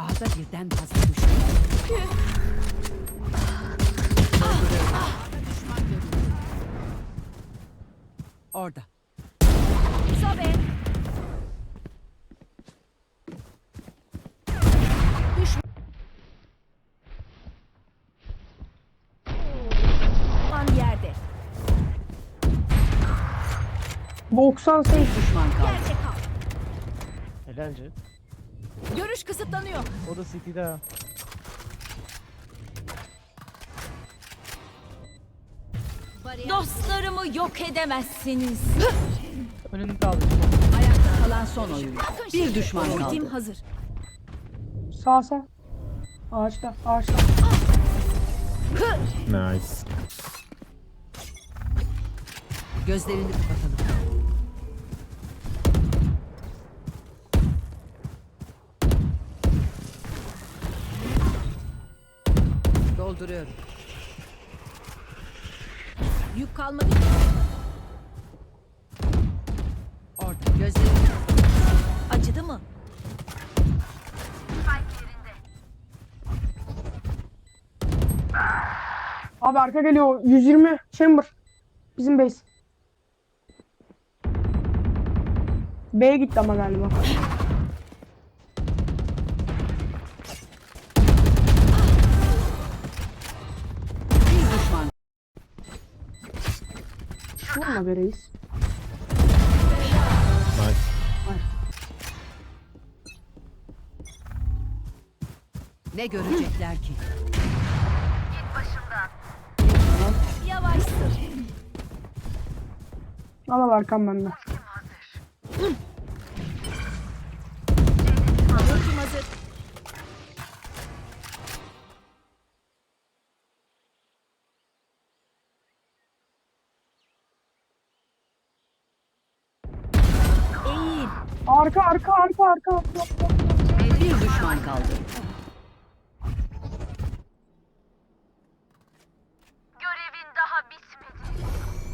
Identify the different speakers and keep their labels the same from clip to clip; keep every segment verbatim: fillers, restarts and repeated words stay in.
Speaker 1: Ağda birden fazla düşman. Orada.
Speaker 2: Sobe. Düşman yerde.
Speaker 3: doksan sekiz.
Speaker 1: Düşman kaldı.
Speaker 2: Yerde kal.
Speaker 4: Helalce.
Speaker 2: Görüş kısıtlanıyor.
Speaker 4: O da City'de ha.
Speaker 2: Dostlarımı yok edemezsiniz.
Speaker 4: Önünde abi.
Speaker 1: Ayakta kalan son oyuncu.
Speaker 2: Bakın
Speaker 1: Bir
Speaker 2: şimdi.
Speaker 1: düşman
Speaker 2: Ultim
Speaker 1: kaldı.
Speaker 2: hazır.
Speaker 3: Sağ sağ. Ağaçta ağaçta.
Speaker 5: Nice.
Speaker 1: Gözlerini kapatalım. Dolduruyorum.
Speaker 2: Yük kalmadı ki.
Speaker 1: Orada. Gözlerini
Speaker 2: Acıdı mı?
Speaker 3: Abi arka geliyor. yüz yirmi chamber. Bizim base. B'ye gitti ama galiba.
Speaker 1: bir düşman.
Speaker 3: Vurma be reis.
Speaker 5: Nice.
Speaker 1: Ne görecekler ki?
Speaker 2: Yavaşsın.
Speaker 3: Al al arkam bende.
Speaker 2: Ultim hazır. Eğil.
Speaker 3: Arka arka arka arka. arka.
Speaker 1: Bir düşman kaldı.
Speaker 6: Görevin daha bitmedi.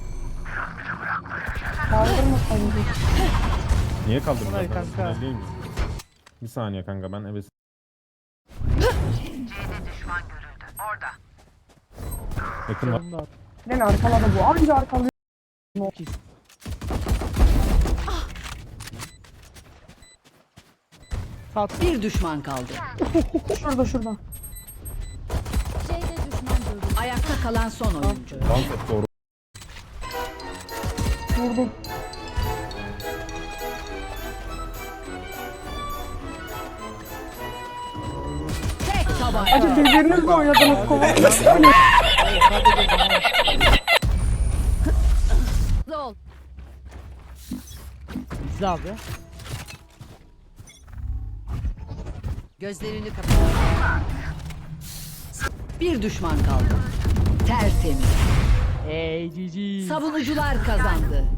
Speaker 3: Kaldırma sayın.
Speaker 5: Niye kaldırdın?
Speaker 4: Kolay
Speaker 5: ben?
Speaker 4: kanka.
Speaker 5: Ben değil mi? Bir saniye kanka ben eve...
Speaker 6: C'de düşman görüldü. Orada.
Speaker 5: Yakın var.
Speaker 4: Önünde abi.
Speaker 3: Beni arkaladı bu. Anca arkalıyor.
Speaker 4: Sat.
Speaker 1: Bir düşman kaldı.
Speaker 3: Şurada şurada.
Speaker 2: C'de düşman görüldü.
Speaker 1: Ayakta kalan son oyuncu.
Speaker 5: Dans et doğru.
Speaker 3: Vurdum.
Speaker 1: Tek tabanca.
Speaker 3: Acı birbirinizle oynadınız kova.
Speaker 2: Zol.
Speaker 4: İzle abi.
Speaker 1: Gözlerini kapatalım. Bir düşman kaldı. Tertemiz.
Speaker 4: Ey cici.
Speaker 1: Savunucular kazandı.